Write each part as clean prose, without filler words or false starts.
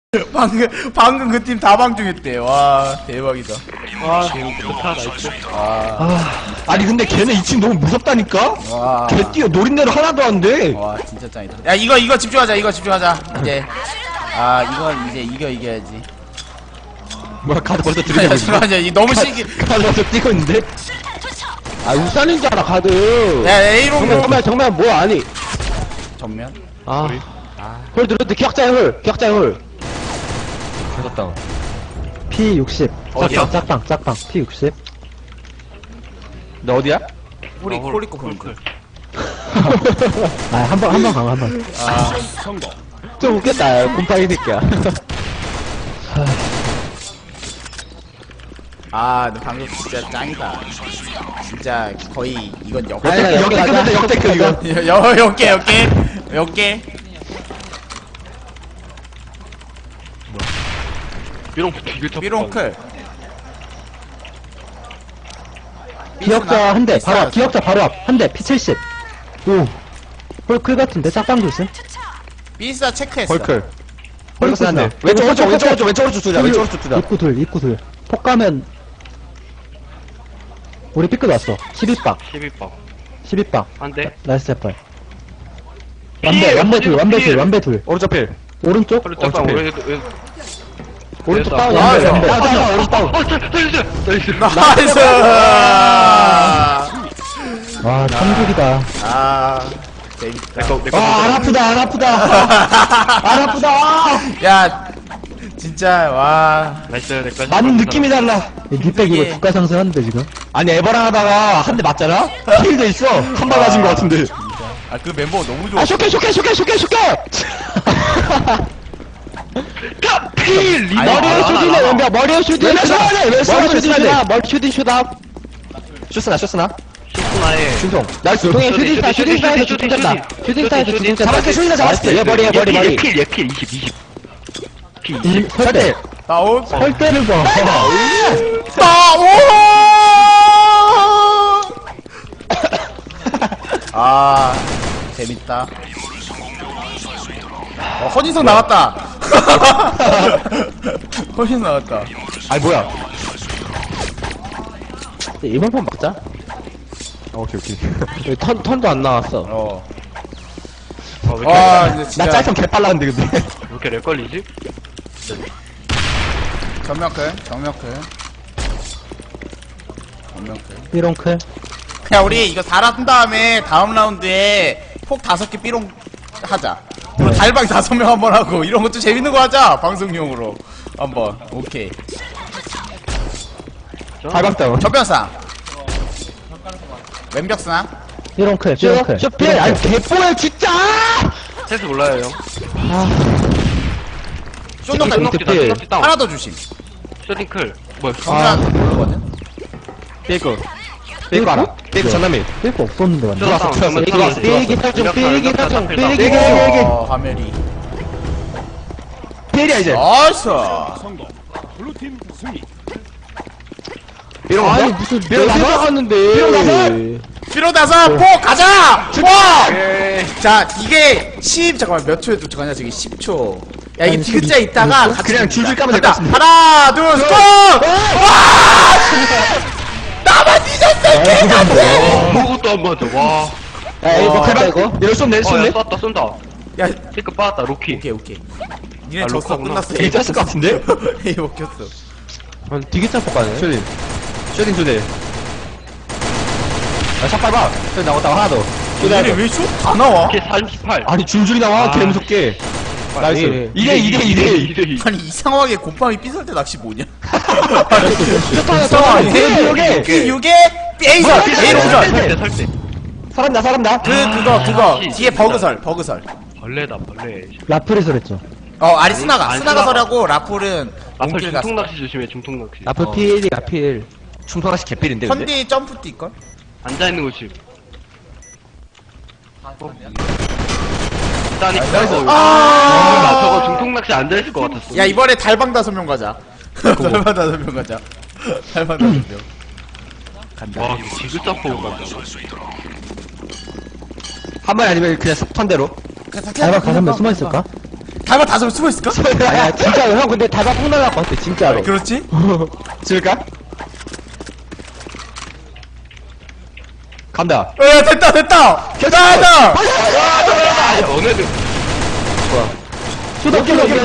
방금 그 팀 다 방중했대. 와, 대박이다. 좋다, 나이스. 아니 근데 걔네 2층 너무 무섭다니까? 와. 걔 뛰어 노린대로 하나도 안 돼. 와, 진짜 짱이다. 야, 이거 집중하자. 이거 집중하자. 이제. 이건 이제 이겨야지. 뭐야 카드 벌써 야, 들이대고 있네. 잠깐만, 이 너무 신기. 카드 벌써 뛰고 있는데? 아 울산인 줄 알아 카드. 야, A롱. 정면 뭐 아니. 정면. 아. 홀 들었는데 기억자의 홀. 무섭다. P60. 어디야? 짝방 P60. 너 어디야? 홀이 콜리코 콜리코. 아 한번 강화 한 번. 좀 웃겠다 곰팡이 새끼야. 너 방금 진짜 짱이다. 진짜 거의 이건 아니, 역대급 이거. 역계. 삐롱 되게 top. 삐롱클. 기억자 한 대 바로 앞. 있어요. 기억자 바로 앞. 한 대 P70. 오. 홀클 같은데 짝방 조심. 삐스타 체크했어. 벌클. 홀클 벌클 한대. 쓰나? 왼쪽 쭉 투자. 왼쪽으로 쭉 투자. 입구 둘. 폭 가면 우리 삐끗 왔어. 12방. 12방. 12방. 안 돼. 나이스 제발. 완배 둘. 오른쪽 필. 오른쪽? 헐, 짝방. 어차피. 오른쪽 됐다. 다운. 아, 완배. 야, 오른쪽 다운. 나이스. 나이스. 와 천국이다. 재밌다. 안 아프다. 야, 진짜 와. 나이스. 내꺼. 나는 느낌이 달라. 니백 이거 주가 상승하는데 지금? 아니 에버랑 하다가 한 대 맞잖아? 킬돼 있어. 한 발 맞은 거 같은데. 그 멤버 너무 좋아. 쇼케. 필! 머리에 슈팅해 왼벽. 머리에 슈팅. 왼벽 쏘아야 돼. 왜 쏘아야 돼, 쏘아야 돼. 머리 슈팅 슛업. 쇼스나. 쇼스나에. 준성. 나이스. 동해 슈팅스타에서 슈팅 쳤다. 슈팅스타에서 슈팅 쳤다. 잡았게 쇼이나 잡았을 때. 얘 머리. 필 20. P20. 설대. 다운. 설대를 봐. 재밌다. 허진성 나왔다. 허진 나왔다. 아니 뭐야? 이번 판 막자. 오케이. 여기 턴도 안 나왔어. 왜 근데 나 진짜 짤성 개빨랐는데 근데. 이렇게 렉 걸리지? 정면클. 삐롱클. 그냥 우리 이거 달아둔 다음에 다음 라운드에 폭 5개 삐롱 하자. 그리고 달방 5명 한번 하고 이런 것도 재밌는 거 하자. 방송용으로 한번. 오케이. 발방 다운. 전변상. 왼벽상. 삐롱클. 쇼필. 아니 개뽀야 진짜. 센스 몰라요, 형. 쇼노클. 쇼넉지 다운. 하나 더 주심. 쇼딩클. 뭐야, 정면 모르거든. 삐고 알아. 삐고 전남이. 삐고 없었는데 완전. 들어왔어, 들어왔어. 들어왔어. 삐기 설정. 삐기. 화면이. 필이야 이제. 나이스. 삐롱 아니 가서? 무슨 삐롱 내가 가서? 나갔는데. 삐롱 가서? 필요 나서 폭 가자. 자, 이게 10 잠깐만 몇 초에 도착하냐 저기 10초. 야 이게 아니, 디귿자 있다가 같이 그냥 듭니다. 줄줄 까면 될것 간다. 같은데. 하나, 둘, 셋. 와! 나만 뒤졌어. 아무것도 안 맞아, 와. 야 이거 칼바 이거. 이럴 쏜네 야, 쏜네. 쏜다. 야, 체크 빠졌다, 로키. 오케이. 니네 아, 졌어. 로커구나. 끝났어. 에이 짰을 것 같은데? 에이 먹혔어. 되게 짤 뽑가네. 쇼딩 두 대. 샷 밟아. 쇼딩 나왔다 하나 더. 얘네 왜쇼다 나와? 걔 38. 아니 줄줄이 나와. 아. 개 무섭게. 나이스. 2대2. 아니 이상하게 곰팡이 삐설 때 낚시 뭐냐? 이상하게. 이게 에이 뭐야, 에이로 삐설 설. 설때. 살았다. 그거 씨. 뒤에 버그설. 벌레다, 벌레. 라프리설 했죠. 아니 스나가 스나가. 설하고 라풀은 앞을 몽길 갔어. 중통낚시 조심해, 중통낚시. 라프 필이야 필. 충성하시 개필인데 근데. 컨디 점프 뛸걸? 앉아있는 곳이. 있다니까. 저거 중통낚시 앉아있을 것 같았어. 야 이번에 달방 5명 가자. 달방 5명 가자. 달방 5명. 간다. 와, 이거 지글zap포 간다. 한 마리 아니면 그냥 턴대로. 알바 가서 몇 숨어 있을까? 달방 5명 숨어있을까? 아니야, 진짜로. 형, 근데 달방 꼭 날아갈 것 같아, 진짜로. 그렇지? 지을까? 간다. 야, 됐다! 됐다! 됐다! 아, 너네들. 수다,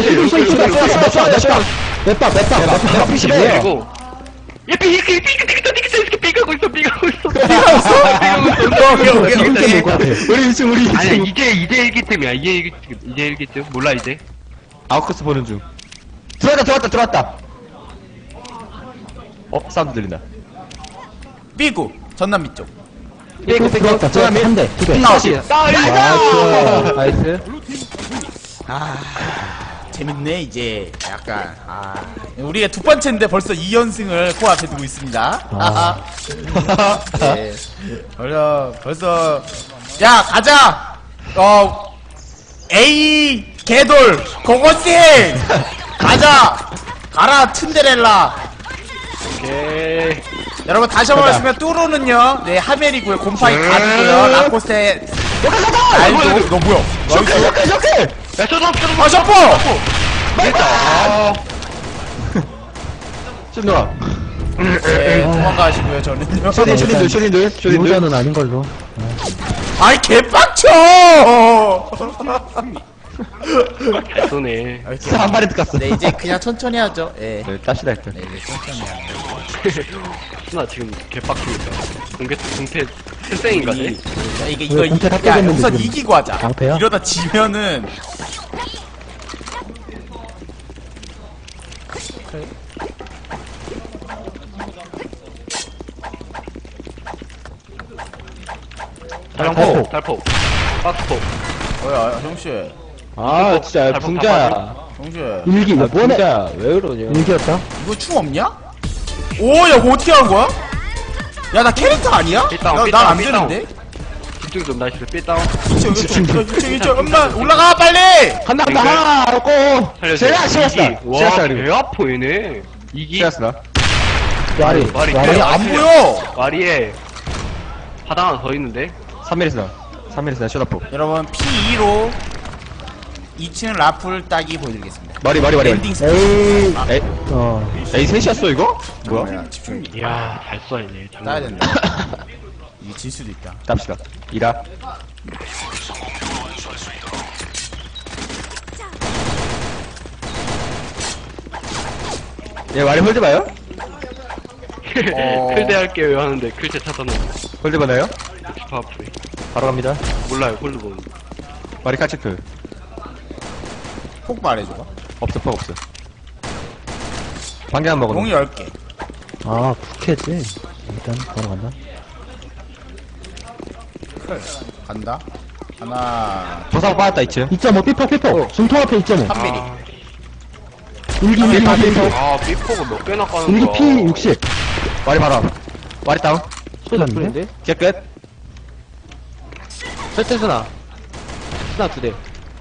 몇 피시 해. 그리고. 얘 삐가고 있어. 삐가고 있어? 이렇게 놀것 같아. 우리 2층, 우리 2층. 아니야, 이제 일기템이야. 이제 일기템. 몰라, 이제. 아웃코스 보는 중. 들어왔다. 사운드 들린다. 삐구 전남미 쪽. 삐고, 들어왔다. 한 대, 두 대. 나오시. 나이스. 재밌네 이제 약간 우리가 두 번째인데 벌써 2연승을 코앞에 두고 있습니다. 네. 벌써 야 가자. A 개돌 고고싱 가라 튼데렐라. 오케이. 여러분 다시 한번 말씀드리면 뚜루는요 네 하멜이고요 곰파이 가드고요 라코스테 날도 너 뭐야 셔클! 야, 아 셔퍼 됐다. 좀 넣어. 네 도망가시고요 저는요 쇼딘들. 유저는 아닌 걸로. 아이 개빡쳐 잘 쏘네. 한 마리 뜯겼어. 네 이제 그냥 천천히 하죠 예 네, 짭시다, 일단. 네, 이제 천천히 하죠 나 지금 개빡치겠다. 공태 실생인가 돼? 자, 이게 왜 공태 다 깨졌는데 우선 지금 이기고 하자 낭패야? 이러다 지면은 달폭. 박스폭. 뭐야 형씨 아, 진짜, 잘 붕자. 형씨 일기, 뭐네? 붕자, 왜 그러냐. 일기였다? 이거 충 없냐? 오야 뭐 어떻게 한 거야? 야 나 캐릭터 아니야? 삐다운, 난안 삐다운. 되는데? 집중 좀 나이스. 삐다운. 2층 엄마 올라가 빨리! 간다, 하나, 고! 살려줘. 제라스. 와, 그리고. 배 아파 얘네. 이기. 제라스나. 와리. 말이 아니 안 보여! 마리에 하나 하나 더 있는데. 3mm스나, 쇼다포. 여러분 P2로 2층 라풀 따기 보여드리겠습니다 머리. 랜딩 스킬 에이, 에이, 에이, 셋이었어, 이거? 뭐야? 뭐야 집중 이야, 잘 쏴야네. 따야 된다 이게 질 수도 있다 짭시다. 이라. 얘 말이 홀드 봐요? 클대 할게요 하는데 클대 찾아놓은 홀드 봐나요? 슈퍼아프리. 바로 갑니다. 몰라요, 홀드 보는. 마리 카체크. 폭 말해줘봐 없어, 퍽 없어. 방개 안 먹어. 용이 10개 아, 국회지. 일단, 바로 간다. 간다 하나 조사고 빠졌다, 2층. 2.5, 삐퍼. 중통 앞에 2.5. 3mm 일기, 아, 삐포가 몇 개나 까는 거야. 일기 P 60. 마리 바로 앞. 마리 다운. 쏘는데? 깨끗. 설태수나 수나 2대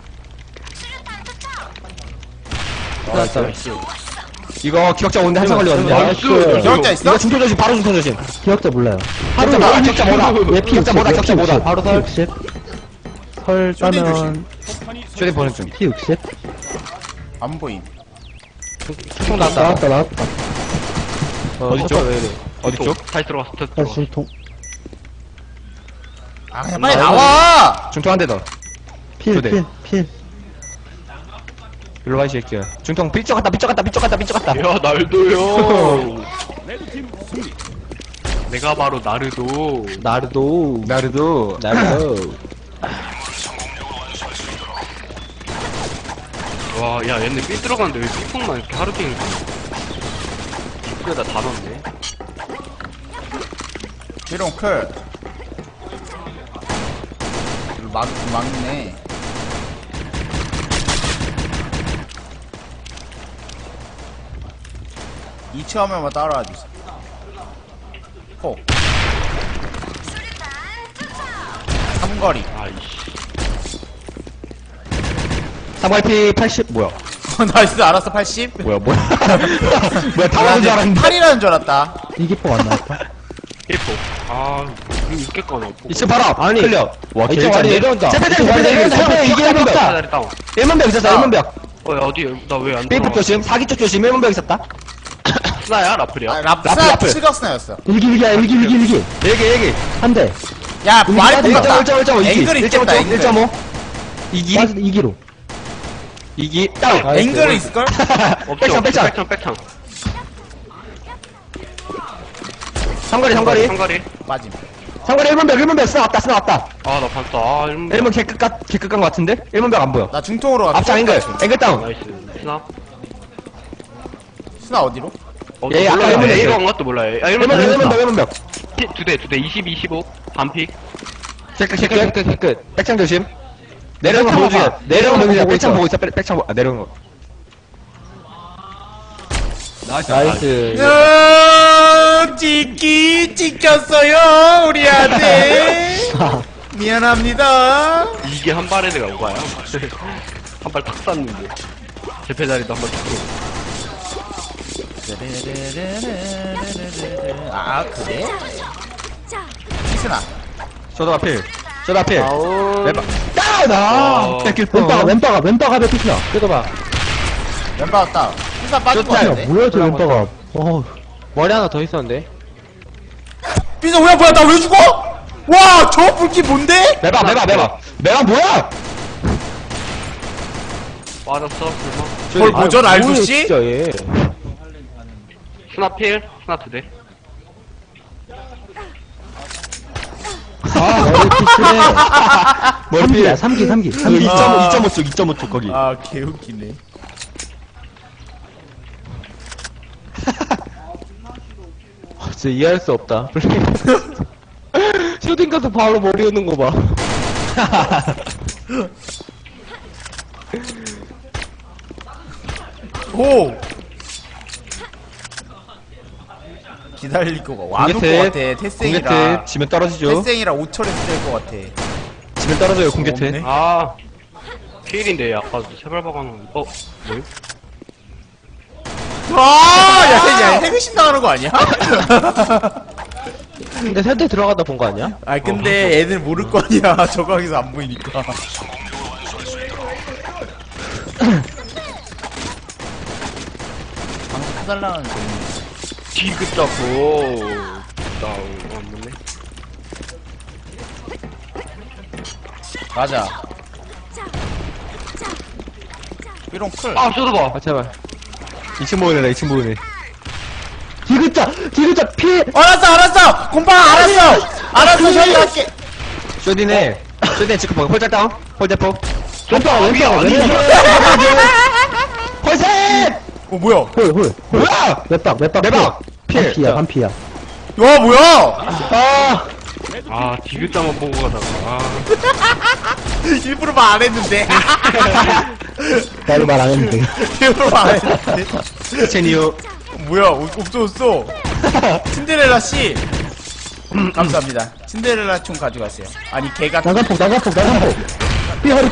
나이스 이거 기억자 오는데 한참 걸리거든요. 나이스. 기억자 있어? 이거 중통 조심, 바로 중통 조심. 기억자 몰라요. 기억자 뭐다, 기억자 뭐다. 얘 P 기억자 60. 뭐다, 기억자 뭐다. 바로 설. 60. 설 쇼딘 따면 쇼딘 보는 중. P 60. 안 보임 총 나왔다 나왔다. 어디 쪽? 어디 쪽? 다시 들어갔어, 다시 다시 들어갔어. 중통. 아 그냥 빨리 나와 중통 한 대 더. 필, 두 대. 필. 일로 와, 이 새끼야. 중통 삐쩍 갔다. 야, 날도요. 내가 바로 나르도. 나르도 나르도. 와, 야, 얘네 삐 들어갔는데 왜 삐폭만 이렇게 하루 종일 삐에다 다 넣네. 비룡 클 막네 이치 화면만 따라와 주세요 폭 삼거리 아이씨. 3YP 80, 뭐야? 나이스 알았어 80 뭐야? 뭐야, 다 나온 줄 알았는데. 8이라는 줄 알았다 이기포 안 나왔다. 삐폭. 아, 있겠거나. 2층 바로 앞. 아니. 클리어. 와, 이쪽 아래 내려온다. 제패들, 이쪽 아래 내려온다. 제패들, 이게 1문벽. 자리 다운. 1문벽 있었어, 야. 1문벽. 어, 야, 어디, 나 왜 안 삐프 들어? 조심, 사기 쪽 조심, 1문벽 있었다. 스나야? 라플이야? 아, 라플, 랍사 라플. 칠각스나였어. 일기야, 일기. 얘기. 한 대. 야, 말이 맞아, 똑같다. 1.5, 2기. 앵글 있겠다, 앵글. 1.5. 2기. 맞아, 2기로. 2기. 다운. 아, 앵글은 있을걸? 없죠. 백창. 백창. 삼거리. 상거리. 빠짐. 삼거리 1문벽. 쓰나 왔다. 아, 나 봤다. 아, 이러면. 1문 개끝 간 것 같은데? 1문벽 안 보여. 나 중통으로 가. 앞장 앵글 다운. 나이스. 스나? 스나 어디로? 어, 얘 몰라. 아까 일문 얘 앵글. 이거 온 것도 몰라요. 아, 1문벽. 두 대, 20, 25. 반픽. 개끝. 백창 조심. 내려오는 거 보여주게. 내려오는 거 보여주게. 백창 보고 있어. 백창 내려오는 거. 나이스. 찍혔어요, 우리 아들. 미안합니다. 이게 한 발에 내가 온 거야. 한 발 탁 쐈는데. 제패 자리도 한 발 탁 아, 그래? 피스나. 쇼다 필. 아우. 왼발. 다운! 어. 뺏길 왼바가 몇 피시나? 뜯어봐. 왼바 왔다. 피스나 빠진 거 좋다. 같은데? 뭐야, 저 왼바가. 머리 하나 더 있었는데. 피스 뭐야, 나 왜 죽어? 와, 저 불키 뭔데? 매박 뭐야? 빠졌어, 불마. 뭘 보전 뭐야, 알두씨? 진짜 얘. 스나 필, 스나 두 대. 머리 필. 3기. 2.5 쪽 거기. 아, 개웃기네. 진짜 이해할 수 없다. 슈팅 가서 바로 머리 오는 거 봐. 오! 기다릴 거가 와놓을 것 같아. 태생이라. 공개트 지면 떨어지죠. 태생이라 5철에 쓸 것 같아. 지면 떨어져요 공개트. 없네. 아, 필인데, 아까 세발 박아놓은, 뭐요? 와! 야, 해그신 당하는 거 아니야? 근데 세대 들어가다 본 거 아니야? 아, 근데 애들 모를 거 아니야. 저 각에서 안 보이니까. 방송 해달라는 소리. 디귿 잡고. 안 맞네. 맞아. 삐롱 클. 아, 쏟아봐. 아, 제발. 2층 보이네. 디귿자, 피! 알았어! 곰팡 알았어, 처리할게. 쇼디네 지금 보고 홀짝 다운. 홀대포. 왼바가. 홀셋! 어, 뭐야? 홀. 뭐야? 맵박. 필. 반피야. 와, 뭐야? 아, 디귿자만 보고 가다가. 아. 일부러 말 안 했는데. 나도 말 안 했는데. 일부러 말 안 했는데. 제니오. 뭐야, 없어졌어. 신데렐라 씨. 감사합니다. 신데렐라 총 가져가세요. 아니, 개가. 나간폭. 삐허리.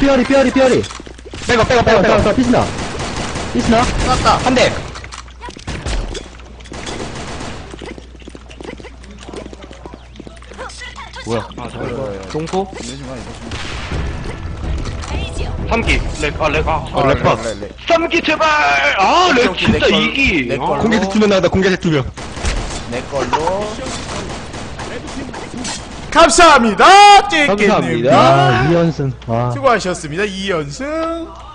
빼고. 피스나. 쐈다. 한 대. 뭐야? 아, 잠깐만. 동포? 3기. 렉. 렉. 3기 제발! 아, 렉 진짜 내 걸- 2기! 내 걸- 공개트 2명 나왔다. 공개트 2명. 내 걸로. 감사합니다. 찌끼님. 감사합니다. 아, 2연승. 와. 수고하셨습니다. 2연승.